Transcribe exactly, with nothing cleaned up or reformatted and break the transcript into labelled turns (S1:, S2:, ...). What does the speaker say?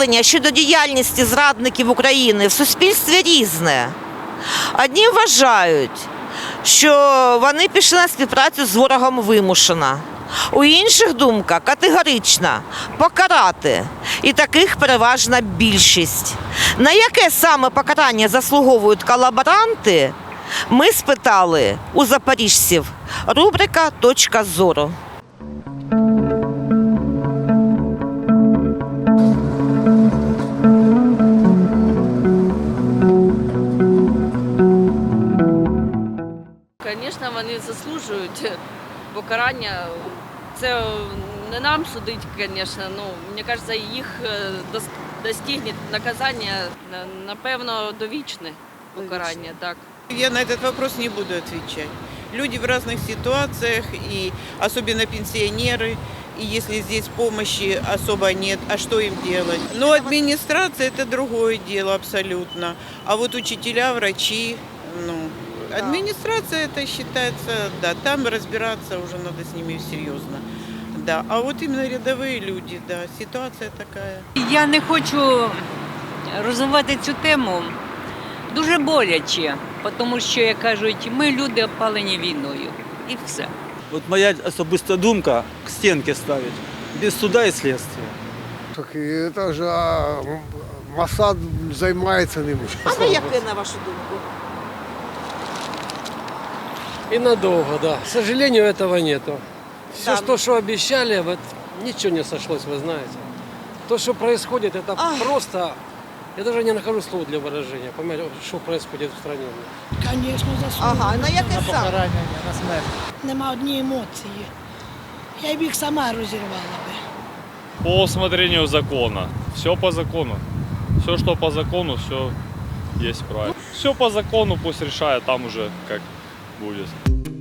S1: ставлення щодо діяльності зрадників України в суспільстві різне. Одні вважають, що вони пішли на співпрацю з ворогом вимушено. У інших думка категорична – покарати. І таких переважна більшість. На яке саме покарання заслуговують колаборанти, ми спитали у запоріжців. Рубрика «Точка зору».
S2: Звісно, вони заслужують покарання. Це не нам судити, звісно, ну, мені кажеться, їх достигне наказання, напевно, довічне покарання, так.
S3: Я на этот вопрос не буду отвечать. Люди в разных ситуациях, и особенно пенсионеры, и если здесь помощи особо нет, а что им делать? Но администрация – это другое дело абсолютно. А вот учителя, врачи, ну, администрация это считается, да, там разбираться уже надо с ними серьезно. Да, а вот именно рядовые люди, да, ситуация такая.
S4: Я не хочу розвивати цю тему. Дуже боляче, тому що, як кажуть, ми люди опалені війною. І все.
S5: От моя особиста думка – к стінці ставити, без суда і слідства.
S6: Так це ж Моссад займається ними.
S1: А на яке, на вашу думку?
S7: И надолго, да. К сожалению, этого нету. Все,
S1: Да.
S7: то, что обещали, вот ничего не сошлось, вы знаете. То, что происходит, это
S1: Ах.
S7: просто... Я даже не нахожу слов для выражения, понимаете, что происходит в стране.
S8: Звісно, заслуговує.
S1: Ага, на яке саме?
S5: на смерть.
S8: Нема однієї емоції. Я б їх сама розірвала би.
S9: По усмотрению закона. Все по закону. Все, что по закону, все есть правильно. Все по закону, пусть решает, там уже как будет.